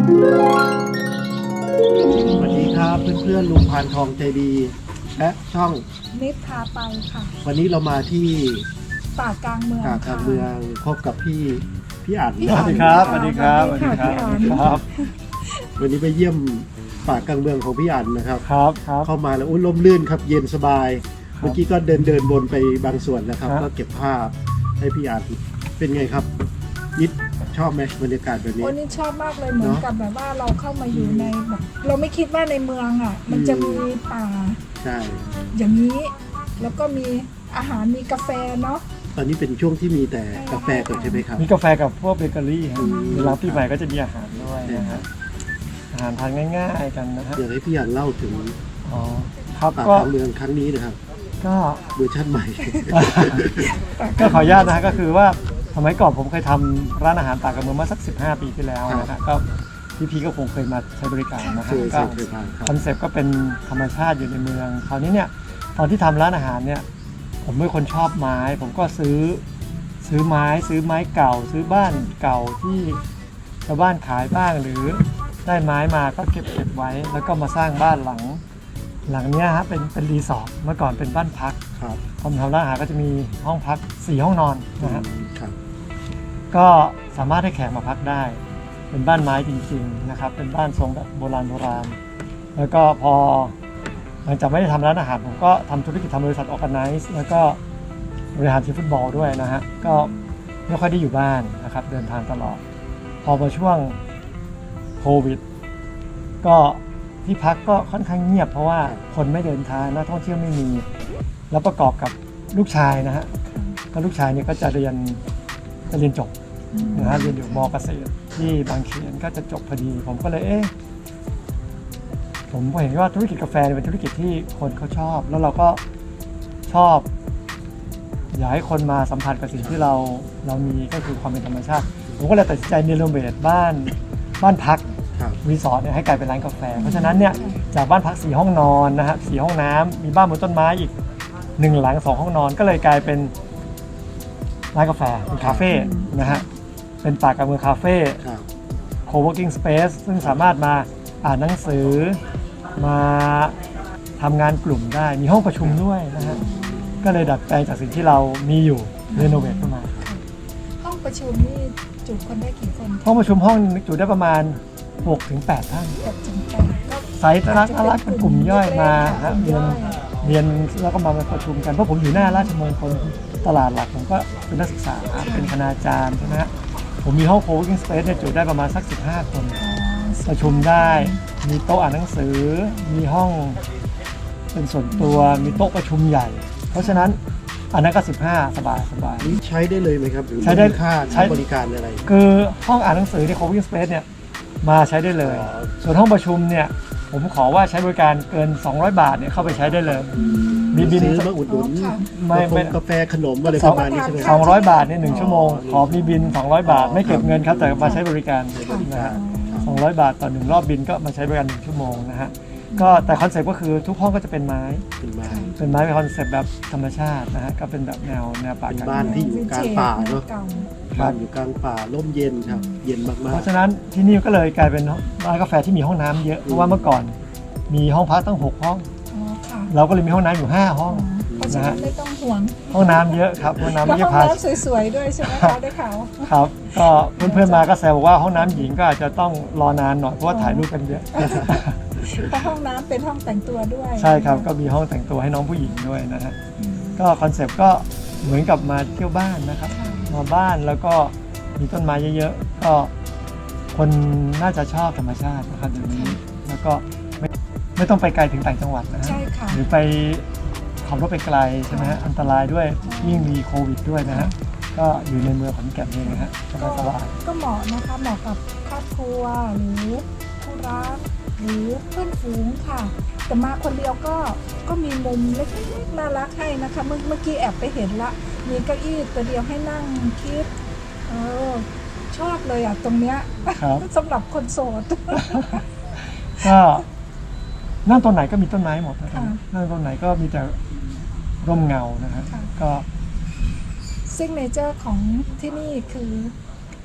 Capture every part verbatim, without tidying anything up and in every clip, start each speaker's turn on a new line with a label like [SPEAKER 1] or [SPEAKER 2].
[SPEAKER 1] สวัสดีครับเพื่อนๆลุงพานทองใจดีและช่อง
[SPEAKER 2] นิดพาไปค่ะ
[SPEAKER 1] วันนี้เรามาที่
[SPEAKER 2] ป่ากลางเมือง
[SPEAKER 1] ป่ากลางเมืองพบกับพี่พี่อั๋น
[SPEAKER 2] พี่
[SPEAKER 3] ส
[SPEAKER 2] อั๋
[SPEAKER 3] วัสดีครับสวัสดีครับสวัสดีครับ
[SPEAKER 2] พี่อั๋น
[SPEAKER 3] ครับ
[SPEAKER 1] วันนี้ไปเยี่ยมป่ากลางเมืองของพี่อั๋นนะครับ
[SPEAKER 3] ครับครับ
[SPEAKER 1] เข้ามาแล้วอุ้ยร่มรื่นครับเย็นสบาย
[SPEAKER 3] ครับ
[SPEAKER 1] เมื่อกี้ก็เดินเดินบนไปบางส่วนแล้วครับ
[SPEAKER 3] ครับ
[SPEAKER 1] ก็เก็บภาพให้พี่อั๋นเป็นไงครับนิดชอบไหมบรรยากาศแบบนี้
[SPEAKER 2] วันนี้ชอบมากเลยเหมือนกับแบบว่าเราเข้ามาอยู่ในแบบเราไม่คิดว่าในเมืองอ่ะ มันจะมีป่า
[SPEAKER 1] ใช่
[SPEAKER 2] อย่างนี้แล้วก็มีอาหารมีกาแฟเนาะ
[SPEAKER 1] ตอนนี้เป็นช่วงที่มีแต่กาแฟก่อนใช่ไหมครับ
[SPEAKER 3] มีกาแฟกับพวกเบเกอรี่ครับ
[SPEAKER 2] อืม
[SPEAKER 3] เวลาปีใหม่ก็จะมีอาหารด้วยนะฮะอาหารทานง่ายๆกันนะฮะ
[SPEAKER 1] อยากให้พี่อั๋นเล่าถึง
[SPEAKER 3] อ๋อครับ
[SPEAKER 1] ป่าก
[SPEAKER 3] ก็
[SPEAKER 1] ลางเมืองครั้งนี้นะครับ
[SPEAKER 3] ก็
[SPEAKER 1] เวอร์ชันใหม่
[SPEAKER 3] ก็ขออนุญาตนะฮะก็คือว่าสมัยก่อนผมเคยทำร้านอาหารปากกลางเมืองมาสักสิบห้าปีที่แล้วนะฮะก็พี่ๆก็คงเคยมาใช้บริการนะ
[SPEAKER 1] เค
[SPEAKER 3] ฮะ
[SPEAKER 1] ย
[SPEAKER 3] ก็
[SPEAKER 1] เคยผ่านครับ
[SPEAKER 3] คอนเซปต์ก็เป็นธรรมชาติอยู่ในเมืองคราวนี้เนี่ยตอนที่ทำร้านอาหารเนี่ยผมเป็นคนชอบไม้ ผมก็ซื้อซื้อไม้ซื้อไม้เก่า ซื้อบ้านเก่าที่ชาวบ้านขายบ้างหรือได้ไม้มาก็เก็บเก็บไว้ แล้วก็มาสร้างบ้านหลัง หลังเนี้ยฮะเป็นเป็นรีสอร์ทเมื่อก่อนเป็นบ้านพัก
[SPEAKER 1] ครับ
[SPEAKER 3] ผมทำร้านอาหารก็จะมีห้องพักสี่ห้องนอนนะฮะ
[SPEAKER 1] ครับ
[SPEAKER 3] ก็สามารถให้แขกมาพักได้ เป็นบ้านไม้จริงๆนะครับเป็นบ้านทรงแบบโบราณโบราณแล้วก็พอหลังจากไม่ได้ทำร้านอาหารผมก็ทำธุรกิจทำบริษัทออร์แกไนซ์แล้วก็บริหารทีมฟุตบอลด้วยนะฮะก็ไม่ค่อยได้อยู่บ้านนะครับเดินทางตลอด พอมาช่วงโควิดก็ที่พักก็ค่อนข้างเงียบเพราะว่าคนไม่เดินทางนักท่องเที่ยวไม่มี แล้วประกอบกับลูกชายนะฮะก็ลูกชายเนี่ยก็จะเรียนจะเรียนจบนะฮะเรียนอยู่ม.เกษตรที่บางเขนก็จะจบพอดีผมก็เลยเอ๊ะผมเห็นว่าธุรกิจกาแฟเป็นธุรกิจที่คนเขาชอบ แล้วเราก็ชอบอยากให้คนมาสัมผัสกับสิ่งที่เราเรามีก็คือความเป็นธรรมชาติผมก็เลยตัดสินใจเนรเวทบ้านบ้านพัก
[SPEAKER 1] ครับ
[SPEAKER 3] รีสอร์ทเนี่ยให้กลายเป็นร้านกาแฟเพราะฉะนั้นเนี่ยจากบ้านพักสี่ห้องนอนนะฮะสี่ห้องน้ำมีบ้านบนต้นไม้อีกหนึ่งหลังสองห้องนอนก็เลยกลายเป็นร้านกาแฟเป็นคาเฟ่นะฮะเป็นป่ากลางเมืองคาเฟ่
[SPEAKER 1] ครับ
[SPEAKER 3] co-working space ซึ่งสามารถมาอ่านหนังสือมาทำงานกลุ่มได้มีห้องประชุมด้วยนะฮะก็เลยดัดแปลงจากสิ่งที่เรามีอยู่เรโนเวทขึ้นมา
[SPEAKER 2] ห้องประชุมนี่จุคนได้กี่คน
[SPEAKER 3] ห้องประชุมห้องจุได้ประมาณ หกถึงแปด ท่าน
[SPEAKER 2] หกถึงแปดก็
[SPEAKER 3] ไซต์น่ารักน่ารักเป็นกลุ่มย่อยมาฮะเรียนเรียนแล้วก็มาประชุมกันเพราะผมอยู่หน้าราชมงคลตลาดหลักผมก็เป็นนักศึกษาเป็นคณาจารย์ใช่ไหมฮะผมมีห้อง co-working space เนี่ยจุได้ประมาณสักสิบห้าคน
[SPEAKER 2] อ๋อ
[SPEAKER 3] ประชุมได้ มีโต๊ะอ่านหนังสือ มีห้องเป็นส่วนตัว มีโต๊ะประชุมใหญ่ เพราะฉะนั้นอันนั้นก็สิบห้าสบายสบาย
[SPEAKER 1] นี่ใช้ได้เลยไหมครับหรือ
[SPEAKER 3] ใช้ได้
[SPEAKER 1] มีค่า
[SPEAKER 3] ใช้
[SPEAKER 1] ค่าบริการอะไร
[SPEAKER 3] คือห้องอ่านหนังสือใน co-working space เนี่ยมาใช้ได้เลย
[SPEAKER 1] อ๋อ
[SPEAKER 3] ส่วนห้องประชุมเนี่ยผมขอว่าใช้บริการเกินสองร้อยบาทเนี่ยเข้าไปใช้ได้เลย มีบิน
[SPEAKER 1] ซื้อมาอุดหนุน
[SPEAKER 3] ไม่ไม่
[SPEAKER 1] กาแฟขนมอะไรประมาณนี้ใช่ไหมค
[SPEAKER 3] ส
[SPEAKER 1] รั
[SPEAKER 3] อบ งร้อยบาทเนี่ยหนึ่งชั่วโมง ขอมีบินสองร้อยบาท ไม่เก็บเงินครับแต่มาใช้บริการนะฮะสองร้อยบาทต่อหนึ่งรอบบินก็มาใช้บริการหนึ่งชั่วโมงนะฮะก็แต่คอนเซ็ปต์ก็คือทุกห้องก็จะเป็นไม้
[SPEAKER 1] เป็นไม้
[SPEAKER 3] เป็นไม้เป็นคอนเซ็ปต์แบบธรรมชาตินะฮะก็เป็นแบบแนวแนวป่า
[SPEAKER 1] เป็น
[SPEAKER 3] กลาง
[SPEAKER 1] บ้าน
[SPEAKER 3] เมือง
[SPEAKER 1] ที่อยู่กลางป่าเนอะ
[SPEAKER 2] เก่า
[SPEAKER 1] บ้านอยู่กลางป่าร่มเย็นครับ เย็นมาก
[SPEAKER 3] เพราะฉะนั้นที่นี่ก็เลยกลายเป็นร้านกาแฟที่มีห้องน้ำเยอะเพราะว่าเมื่อก่อนมีห้องพักตั้งหกห้อง
[SPEAKER 2] อ๋อค่ะ
[SPEAKER 3] เราก็เลยมีห้องน้ำอยู่ห้าห้อง
[SPEAKER 2] เพราะฉะนั้นไม่ต้องห่วง
[SPEAKER 3] ห้องน้ำเยอะครับห้องน้ำ
[SPEAKER 2] แล้ว
[SPEAKER 3] ไม่
[SPEAKER 2] ห้
[SPEAKER 3] ใช่
[SPEAKER 2] อง
[SPEAKER 3] พา
[SPEAKER 2] น้ำสวยๆด้วยใช่ไหมคะได้ข่าว
[SPEAKER 3] ครับก็เพื่อนๆมาก็แซวบอกว่าห้องน้ำหญิงก็อาจจะต้องรอนานหน่อยเพราะว่าถ่ายรูปกันเยอะ
[SPEAKER 2] เพราะห้องน้ำเป็นห้องแต่งตัวด้วย
[SPEAKER 3] ใช่ครับก็มีห้องแต่งตัวให้น้องผู้หญิงด้วยนะฮะก็คอนเซปต์ก็เหมือนกับมาเที่ยวบ้านนะครับมาบ้านแล้วก็มีต้นไม้เยอะๆก็คนน่าจะชอบธรรมชาตินะครับเดี๋ยวนี้แล้วก็ไม่ไม่ต้องไปไกลถึงต่างจังหวัดนะฮะ
[SPEAKER 2] ใช่ค่ะ
[SPEAKER 3] หรือไปขับรถไปไกลใช่ไหมฮะอันตรายด้วยยิ่งมีโควิดด้วยนะฮะก็อยู่ในเมืองขอนแก่นเองนะฮะส
[SPEAKER 2] ก็
[SPEAKER 3] บาย
[SPEAKER 2] ก็เหมาะนะคะเหมาะกับครอบครัวหรือคู่รักหรือเพื่อนฝูงค่ะ แต่มาคนเดียวก็ก็มีมุมเล็กๆน่ารักให้นะคะเมื่อเมื่อกี้แอบไปเห็นละมีเก้าอี้ตัวเดียวให้นั่งคิดเออชอบเลยอ่ะตรงเนี้ย
[SPEAKER 3] ๆครับ
[SPEAKER 2] สำหรับคนโสด
[SPEAKER 3] ก็นั่งตรงไหนก็มีต้นไม้หมดนะครับ
[SPEAKER 2] ค่ะ
[SPEAKER 3] นั่งตรงไหนก็มีแต่ร่มเงานะฮะ
[SPEAKER 2] ค่ะ
[SPEAKER 3] ก็
[SPEAKER 2] ซิกเนเจอร์ของที่นี่คือ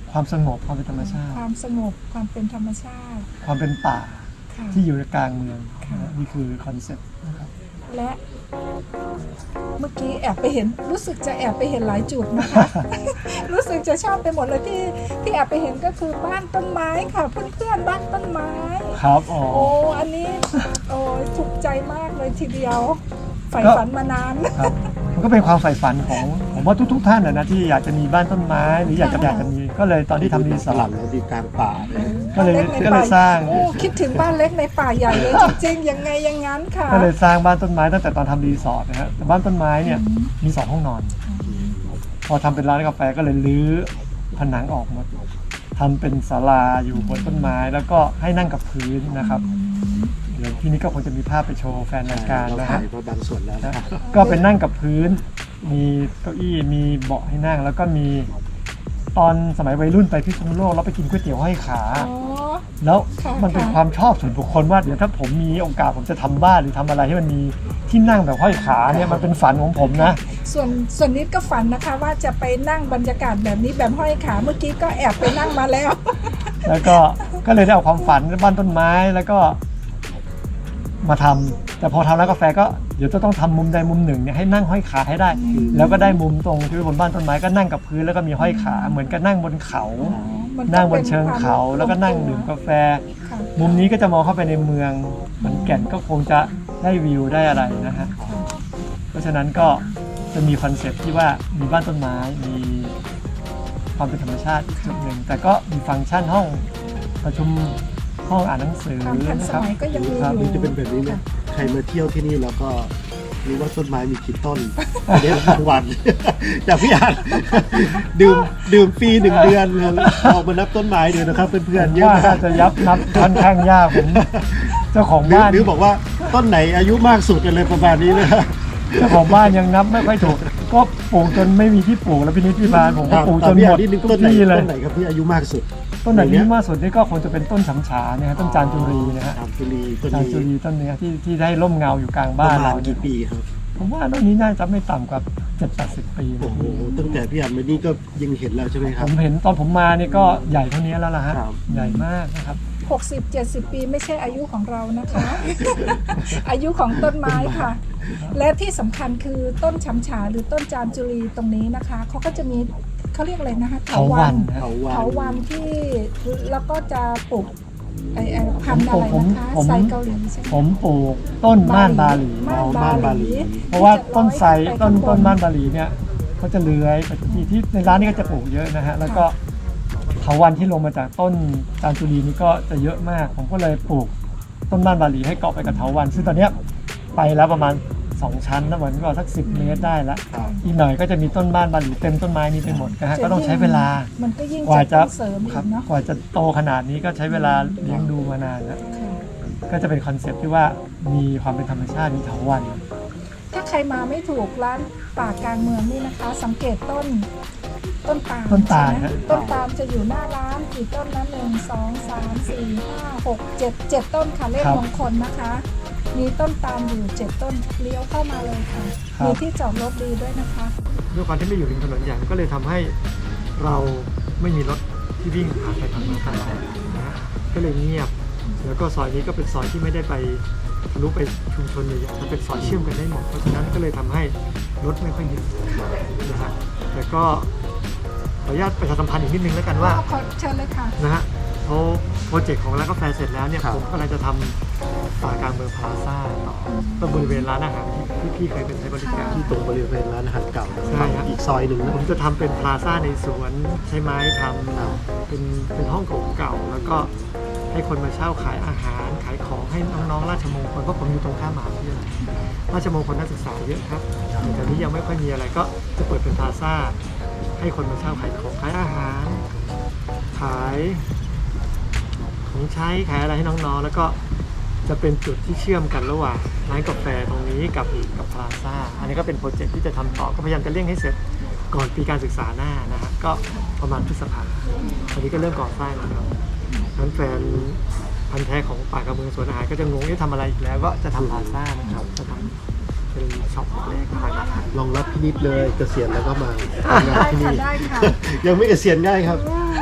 [SPEAKER 3] ความสงบความเป็นธรรมชาติ
[SPEAKER 2] ความสงบความเป็นธรรมชาติ
[SPEAKER 3] ความเป็นป่า
[SPEAKER 2] ค่ะ
[SPEAKER 3] ที่อยู่ในกลางเมือง
[SPEAKER 2] ค่ะ
[SPEAKER 3] นะนี่คือคอนเซ็ปต์นะครับ
[SPEAKER 2] และเมื่อกี้แอบไปเห็นรู้สึกจะแอบไปเห็นหลายจุดนะคะ รู้สึกจะชอบไปหมดเลยที่ที่แอบไปเห็นก็คือบ้านต้นไม้ค่ะเพื่อนๆบ้านต้นไม้
[SPEAKER 3] ครับอ๋อ
[SPEAKER 2] โอ้อันนี้โอ้ยถูกใจมากเลยทีเดียวใฝ่
[SPEAKER 3] ก็
[SPEAKER 2] ฝันมานาน
[SPEAKER 3] ครับมันก็เป็นความใฝ่ฝันของผมว่าทุกๆท่านนะนะที่อยากจะมีบ้านต้นไม้หรืออยากจะ
[SPEAKER 2] ค่ะ
[SPEAKER 3] อยากจะมีก็เลยตอนที่ทำรีส
[SPEAKER 1] ส
[SPEAKER 3] อ
[SPEAKER 1] ลั
[SPEAKER 3] ร์
[SPEAKER 1] บ
[SPEAKER 3] ท
[SPEAKER 1] แล้วดีกลางป่าเลย
[SPEAKER 3] ก็เลย
[SPEAKER 2] บ้านล็ใน
[SPEAKER 3] ก็เลย
[SPEAKER 2] ป่
[SPEAKER 3] สร้าง
[SPEAKER 2] โอ้คิดถึงบ้านเล็กในป่าใหญ่เลยจริงๆยังไงอยังงั้นค่ะ
[SPEAKER 3] ก็เลยสร้างบ้านต้นไม้ตั้งแต่ตอนทำรีสอร์ทนะฮะแต่บ้านต้นไม้เนี่ยมีสองห้องนอน พอทำเป็นร้านกาแฟก็เลยรื้อผนังออกหมดทำเป็นศาลาอยู่บนต้นไม้แล้วก็ให้นั่งกับพื้นนะครับเดี๋ยวที่นี้ก็คงจะมีภาพไปโชว์แฟนรายการ
[SPEAKER 1] เรา
[SPEAKER 3] นะ
[SPEAKER 1] ถ่า
[SPEAKER 3] ฮะ
[SPEAKER 1] ยมาบางส่วนแล้ว
[SPEAKER 3] นะ
[SPEAKER 1] นะครับ
[SPEAKER 3] ก็เป็นนั่งกับพื้น มีเก้าอี้มีเบาะให้นั่ง แล้วก็มีตอนสมัยวัยรุ่นไปพิษณุโลกเราไปกินก๋วยเตี๋ยวห้อยขา
[SPEAKER 2] อ๋อ
[SPEAKER 3] แล้ว
[SPEAKER 2] ค่ะ
[SPEAKER 3] มันเป็น
[SPEAKER 2] ค่ะ
[SPEAKER 3] ความชอบส่วนบุคคลว่าเดี๋ยวถ้าผมมีโอกาสผมจะทำบ้านหรือทำอะไรให้มันมีที่นั่งแบบห้อยขาเนี่ยมันเป็นฝันของผมนะ
[SPEAKER 2] ส่วนส่วนนิดก็ฝันนะคะว่าจะไปนั่งบรรยากาศแบบนี้แบบห้อยขาเมื่อกี้ก็แอบไปนั่งมาแล้ว
[SPEAKER 3] แล้วก็ก็เลยได้เอาความฝันบ้านต้นไม้แล้วก็มาทำแต่พอทำร้านกาแฟก็เดี๋ยวจะต้องทำมุมใดมุมหนึ่งเนี่ยให้นั่งห้อยขาให้ได้ แล้วก็ได้มุมตรงที่บนบ้านต้นไม้ก็นั่งกับพื้นแล้วก็มีห้อยขาเหมือนกับนั่งบนเขา
[SPEAKER 2] มันก็
[SPEAKER 3] นั่งบน
[SPEAKER 2] ป็
[SPEAKER 3] เชิงเขา
[SPEAKER 2] ควม
[SPEAKER 3] แล้วก็นั่งดื่มกาแฟ
[SPEAKER 2] ค่ะ
[SPEAKER 3] มุมนี้ก็จะมองเข้าไปในเมืองเหมือนแก่นก็คงจะได้วิวได้อะไรนะฮะเพราะฉะนั้นก็จะมีคอนเซ็ปต์ที่ว่ามีบ้านต้นไม้มีความเป็นธรรมชาติอีกจุดหนึ่งแต่ก็มีฟังก์ชันห้องประชุมห้องอ่านหนังสือ
[SPEAKER 2] ความทัน
[SPEAKER 3] นะ
[SPEAKER 2] ส
[SPEAKER 3] ครับ
[SPEAKER 2] มัยก็ยังมี
[SPEAKER 3] ครับ
[SPEAKER 2] อ
[SPEAKER 1] หรื
[SPEAKER 2] ยู่
[SPEAKER 1] อจะเป็นแบบนี้ไหมใครมาเที่ยวที่นี่แล้วก็รู้ว่าต้นไม้มีกี่ต้นเดี๋ยวรางวัล จากพี่อาร์ตดื่มดื่มฟรีหนึ่งเดือนออกมานับต้นไม้ดูนะครับเพื่อนๆเยอะ
[SPEAKER 3] ว่าม
[SPEAKER 1] าก
[SPEAKER 3] น่าจะยับนับค่อนข้างยากผมเจ้าของ
[SPEAKER 1] หรือ
[SPEAKER 3] บ้าน
[SPEAKER 1] หรือบอกว่าต้นไหนอายุมากสุดอะไรประมาณนี้นะ
[SPEAKER 3] เจ้าของบ้านยังนับไม่ค่อยถูก ก็ปลูกจนไม่มีที่ปลูกแล้วพี่นิดพี่บานผมก็ปลูกจนหมด
[SPEAKER 1] นิดนึง
[SPEAKER 3] ทุ
[SPEAKER 1] ต้
[SPEAKER 3] ก
[SPEAKER 1] นไหน
[SPEAKER 3] ที่เลย
[SPEAKER 1] ต้นไหนครับที่อายุมากสุด
[SPEAKER 3] ต้นไหนที่มากสุดนี่ก็คงจะเป็นต้นฉำฉาเนี่ยฮะต้นจานจุรีนะฮะ
[SPEAKER 1] จามจุรีต้น
[SPEAKER 3] จาน
[SPEAKER 1] นี้
[SPEAKER 3] จุรีต้นเนี้ยที่ที่ได้ร่มเงาอยู่กลาง
[SPEAKER 1] ป
[SPEAKER 3] บ้าน
[SPEAKER 1] ระมา
[SPEAKER 3] เรา
[SPEAKER 1] ณ
[SPEAKER 3] เนี่ย
[SPEAKER 1] กี่ปีครับ
[SPEAKER 3] ผมว่าต้นนี้น่าจะไม่ต่ำกว่าเจ็ดแปดสิบปี
[SPEAKER 1] โอ้
[SPEAKER 3] นะ
[SPEAKER 1] โหตั้งแต่พี่อาร์ตมานี่ก็ยังเห็นแล้วใช่ไหมค
[SPEAKER 3] ผ
[SPEAKER 1] รับ
[SPEAKER 3] มเห็นตอนผมมานี่ก็ใหญ่เท่านี้แล้วล่ะฮะ
[SPEAKER 1] ครับ
[SPEAKER 3] ใหญ่มากนะครับ
[SPEAKER 2] หกสิบ เจ็ดสิบ ปีไม่ใช่อายุของเรานะคะ อายุของต้นไม้ค่ะ และที่สำคัญคือต้นฉำฉาหรือต้นจามจุรีตรงนี้นะคะเขาก็จะมีเขาเรียกอะไรนะคะ
[SPEAKER 3] เถาวัลย์นะ
[SPEAKER 1] เถาวัล
[SPEAKER 2] เถา
[SPEAKER 1] ย์
[SPEAKER 2] วันที่แล้วก็จะปลูกไอ้ไอ้พันธุ์อะไรนะคะ
[SPEAKER 3] ผมผม
[SPEAKER 2] ไซเกาหลีใช่ไหม
[SPEAKER 3] ผมปลูกต้นม่านบาหลี
[SPEAKER 2] ม่าน
[SPEAKER 1] ม่านบาหลี
[SPEAKER 3] เพราะว่าต้นไทร
[SPEAKER 2] ที่จะ
[SPEAKER 3] ต้น
[SPEAKER 2] ร้อยขึ้
[SPEAKER 3] ต้น
[SPEAKER 2] ไป
[SPEAKER 3] ม่านบาหลีเนี่ยเขาจะเลื้อยไปทุกที่ที่ในร้านนี้ก็จะปลูกเยอะนะฮะแล้วก็เถาวัลย์ที่ลงมาจากต้นจามจุรีนี่ก็จะเยอะมาก ผมก็เลยปลูกต้นม่านบาหลีให้เกาะไปกับเถาวัลย์ซึ่งตอนเนี้ยไปแล้วประมาณสองชั้นนะเหมือนก็สักสิบเมตรได้ละ
[SPEAKER 1] ครับ
[SPEAKER 3] อีกหน่อยก็จะมีต้นม่านบาหลีเต็มต้นไม้นี้ไปหมดนะฮะก็ต้องใช้เวลา
[SPEAKER 2] มันก็ยิ่ง
[SPEAKER 3] กว่าจะ
[SPEAKER 2] ต้องเสริมอี
[SPEAKER 3] ครับ
[SPEAKER 2] กเนาะ
[SPEAKER 3] กว่าจะโตขนาดนี้ก็ใช้เวลาเลี้ยงดูมานานแล้ว
[SPEAKER 2] ค่ะ
[SPEAKER 3] ก็จะเป็นคอนเซ็ปต์ที่ว่ามีความเป็นธรรมชาติมีเถาวัลย์
[SPEAKER 2] ถ้าใครมาไม่ถูกร้านป่ากลางเมืองนี่นะคะ สังเกตต้นต้นตาล
[SPEAKER 3] ต้นตาล
[SPEAKER 2] ใช่ไหม
[SPEAKER 3] ฮะ
[SPEAKER 2] ต้นตาลจะอยู่หน้าร้านกี่ต้นนะหนึ่งสองสามสี่ห้าหกเจ็ดเจ็ดต้นค่ะเลขมงคลนะคะ มีต้นตาลอยู่เจ็ดต้นเลี้ยวเข้ามาเลยค่ะ มีที่จอดรถดีด้วยนะคะ
[SPEAKER 3] ด้วยความที่ไม่อยู่ริมถนนใหญ่ก็เลยทำให้เราไม่มีรถที่วิ่งผ่านไปผ่านมาตลอดนะฮะก็เลยเงียบ แล้วก็ซอยนี้ก็เป็นซอยที่ไม่ได้ไปทะลุไปชุมชนใหญ่ๆแต่เป็นซอยเชื่อมกันได้หมดเพราะฉะนั้นก็เลยทำให้รถไม่ค่อยเยอะนะฮะแต่ก็ขออนุญาตประชาสัมพันธ์อีกนิดนึงแล้วกันว่า
[SPEAKER 2] ขอเชิญเลยค่ะ
[SPEAKER 3] นะฮะเขาโปรเจกต์ของร้านกาแฟเสร็จแล้วเนี่ย
[SPEAKER 1] ครับ
[SPEAKER 3] ผมกำลังจะทำป่ากลางเมืองพลาซ่าต่อตรงบริเวณร้านอาหารที่ที่พี่เคยเป็นใช้บริการ
[SPEAKER 1] ที่ตรงบริเวณร้านอาหารเก่า
[SPEAKER 3] ใช่ครับ
[SPEAKER 1] อีกซอยหนึ่งนะ
[SPEAKER 3] ผมจะทำเป็นพลาซ่าในสวนใช้ไม้ทำ
[SPEAKER 1] ครับ
[SPEAKER 3] เป็นเป็นห้องเก่าๆแล้วก็ให้คนมาเช่าขายอาหารขายของให้น้องๆราชมงคลเพราะผมอยู่ตรงข้ามมหาวิทยาลัยราชมงคลนักศึกษาเยอะครับแต่นี้ยังไม่ค่อยมีอะไรก็จะเปิดเป็นพลาซ่าให้คนมาเช่าขายของขายอาหาร ขายของใช้ขายอะไรให้น้องๆแล้วก็จะเป็นจุดที่เชื่อมกันระหว่างร้านกาแฟตรงนี้กับกับพลาซ่าอันนี้ก็เป็นโปรเจกต์ที่จะทำต่อก็พยายามจะเร่งให้เสร็จก่อนปีการศึกษาหน้านะฮะก็ประมาณพฤษภาตอนนี้ก็เริ่มก่อสร้างแล้วครับนั้นแฟนพันธุ์แท้ของป่ากระเมืองสวนอาหารก็จะงงว่าทำอะไรอีกแล้วก็จะทำพลาซ่านะครับจะทำเป็นช็อปเล็กๆขายอาหาร
[SPEAKER 1] ลองรับพี่นิดเลยเกษียณแล้วก็มาทำงาน
[SPEAKER 2] ได้
[SPEAKER 1] ที่
[SPEAKER 2] ค่ะ
[SPEAKER 1] นี่
[SPEAKER 2] ได้ค่ะ
[SPEAKER 1] ยังไม่เกษียณง่ายครับ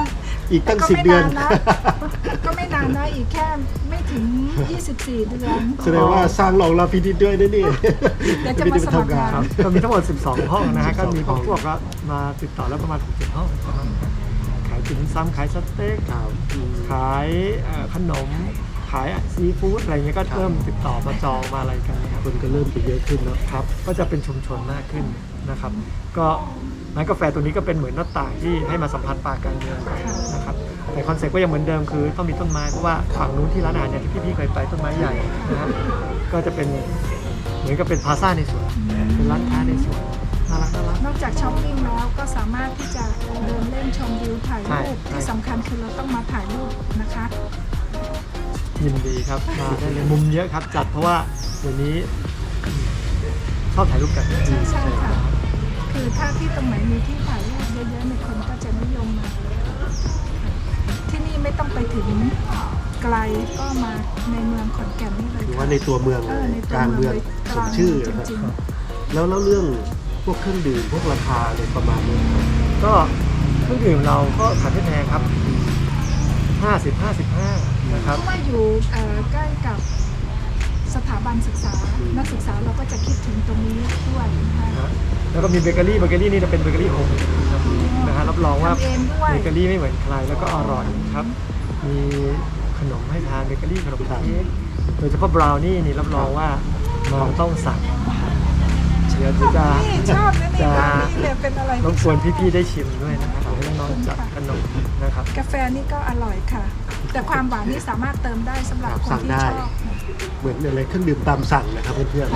[SPEAKER 1] อีกตั้ง
[SPEAKER 2] ก็
[SPEAKER 1] สิบ
[SPEAKER 2] ไม่
[SPEAKER 1] เดือน
[SPEAKER 2] นานนะ ก็ไม่นานนะอีกแค่ไม่ถึง ยี่สิบสี่ เดือน
[SPEAKER 1] แสดงว่าสร้างรองรับพินิจด้วยนะนี่
[SPEAKER 2] เดี๋ยวจะมาสมัครงาน
[SPEAKER 3] ครับก็มีทั้งหมด สิบสอง ห้องนะฮะ ก็มี
[SPEAKER 1] สิบสอง
[SPEAKER 3] พวกก็มาติดต่อแล้วประมาณ หกเจ็ด ห้องประมาณนั้นขายสินซ้ำขายสเต็ก
[SPEAKER 1] ครับอืม
[SPEAKER 3] ขายเอ่อขนม ขายซีฟู้ดอะไรเงี้ยก็เริ่มติดต่อมาจองมาอะไรกันนะครับ
[SPEAKER 1] คนก็เริ่มจะเยอะขึ้นเนาะ
[SPEAKER 3] ครับ ก็จะเป็นชุมชนมากขึ้นนะครับ ก็ร้านกาแฟตัวนี้ก็เป็นเหมือนหน้าต่างที่ให้มาสัมผัสป่าการเมืองนะครับ แต่คอนเซ็ปต์ก็ยังเหมือนเดิมคือต้องมีต้นไม้เพราะว่าฝั่งนู้นที่ร้านอาหารเนี่ยที่พี่ๆเคยไปต้นไม้ใหญ่นะครับก็จะเป็นเหมือนกับเป็นพลาซ่าในสวนเป็นร้านค้าในสวนน่ารักน่ารัก
[SPEAKER 2] นอกจากช้อปปิ้งแล้วก็สามารถที่จะเดินเล่นชมวิวถ่ายรูป
[SPEAKER 3] ใช่
[SPEAKER 2] ที่สำคัญคือเราต้องมาถ่ายรูปนะคะ
[SPEAKER 3] ยินดีครับมาได้เลยมุมเยอะครับจัดเพราะว่าเดี๋ยวนี้ชอบถ่ายรูปกัน
[SPEAKER 2] ใช่ใช่ค่ะ คือถ้าที่ตรงไหนมีที่ถ่ายรูปเยอะๆในยคนก็จะนิยมมา ที่นี่ไม่ต้องไปถึงไกลก็มาในเมืองขอนแก่นนี่เลย
[SPEAKER 1] หรือ
[SPEAKER 2] ค่ะ
[SPEAKER 1] ว่าในตัวเมือง
[SPEAKER 2] เออในตัว
[SPEAKER 1] กลางเมือง
[SPEAKER 2] เลย
[SPEAKER 1] ส
[SPEAKER 2] กลาม ง
[SPEAKER 1] ชื่อ
[SPEAKER 2] จ
[SPEAKER 1] นะครับ
[SPEAKER 2] ริง
[SPEAKER 1] แล้วแล้วเรื่องพวกเครื่องดื่มพวกราคาอะไรประมาณนี้ครับ
[SPEAKER 3] ก็เครื่องดื่มเราก็ขายไม่แพงครับห้าสิบ ห้าสิบห้านะ
[SPEAKER 2] ๆ
[SPEAKER 3] ครับ
[SPEAKER 2] เพราะว่าอยู่เอ่อใกล้กับสถาบันศึกษา นักศึกษาเราก็จะคิดถึงตรงนี้ด้วยนะคะ
[SPEAKER 3] นะฮะแล้วก็มีเบเกอรี่เบเกอรี่นี่จะเป็นเบเกอรี่โฮมครับนะฮะรับรองว่า
[SPEAKER 2] ทำเองด้วย
[SPEAKER 3] เบเกอรี่ไม่เหมือนใครแล้วก็อร่อยครับ มีขนมให้ทานเบเกอรี่ขนมเค้กโดยเฉพาะบราวนี่นี่รับรองว่ามาต้องสั่งเดี๋ยวจะ
[SPEAKER 2] นี่ชอบนะนี่
[SPEAKER 3] จะ
[SPEAKER 2] แบบนี้เลยเป็นอะไร
[SPEAKER 3] รบ
[SPEAKER 2] ที่
[SPEAKER 3] กวน
[SPEAKER 2] ชอบ
[SPEAKER 3] พี่ๆได้ชิมด้วยนะครับให้น้องๆจัดขนมนะครับ
[SPEAKER 2] กาแฟนี่ก็อร่อยค่ะ แต่ความหวานนี่สามารถเติมได้สำหรับคนที่ชอบ
[SPEAKER 1] เหมือนอะไรเครื่องดื่มตามสั่งนะครับเพื่อน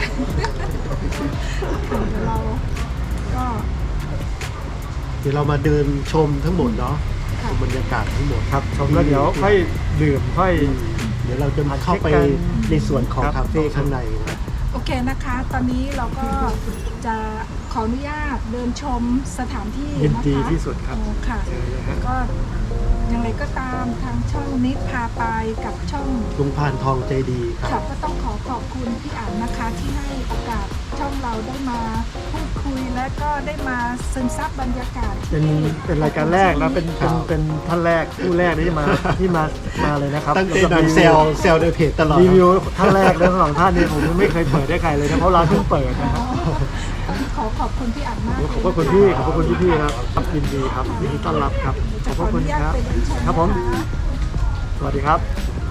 [SPEAKER 2] เดี๋ยวเราก็
[SPEAKER 1] ๆเดี๋ยวเรามาเดินชมทั้งหมดเนาะช
[SPEAKER 2] ค่ะ
[SPEAKER 1] มบรรยากาศทั้งหมด
[SPEAKER 3] ครับชมแล้วเดี๋ยวค่อยดื่มค่อย
[SPEAKER 1] เดี๋ยวเราจะเข้าไปในส่วนของคาเฟ่ข้างในนะ
[SPEAKER 2] โอเคนะคะ ตอนนี้เราก็จะขออนุญาตเดินชมสถานที่
[SPEAKER 3] ยิน
[SPEAKER 2] นะคะ
[SPEAKER 3] ดีที่สุดครับ
[SPEAKER 2] โอ้ค่ะ
[SPEAKER 3] เจอเลยฮะ
[SPEAKER 2] ก็อย่างไรก็ตามทางช่องนิดพาไปกับช่อง
[SPEAKER 1] ลุงพานทองใจดีค
[SPEAKER 2] ค่ะ
[SPEAKER 1] รับ
[SPEAKER 2] ก็ต้องขอขอบคุณพี่อั๋นนะคะที่ให้โอกาสช่องเราได้มาพูดคุยและก็ได้มาซึมซับบรรยากาศ
[SPEAKER 3] เป็น
[SPEAKER 2] ที่
[SPEAKER 3] เป็นรายการแรกนะเป็นเป็นเป็นท่านแรกผู้แรกที่มาที่มามาเลยนะครับ
[SPEAKER 1] ตั้งแต่นานเซลเซลในเพจตลอด
[SPEAKER 3] รีวิวท่านแรกทั้งสองท่านนี่ผมไม่เคยเปิดได้ใครเลยนะเพราะร้านเพิ่งเปิดนะครับ
[SPEAKER 2] ขอขอบคุณพี่อั๋นมาก
[SPEAKER 3] ขอบพระคุณพี่ขอบพระคุณพี่ๆครับครับยินดีครับยินดีต้อนรับครับข
[SPEAKER 2] จะ
[SPEAKER 3] อบ
[SPEAKER 2] ข
[SPEAKER 3] พ
[SPEAKER 2] อ
[SPEAKER 3] ระ
[SPEAKER 2] อ
[SPEAKER 3] คุณ
[SPEAKER 2] นุญาต
[SPEAKER 3] ครับ
[SPEAKER 2] ไปเดินชม
[SPEAKER 3] ครับผม
[SPEAKER 2] นะคะ
[SPEAKER 3] สวัสดีครับ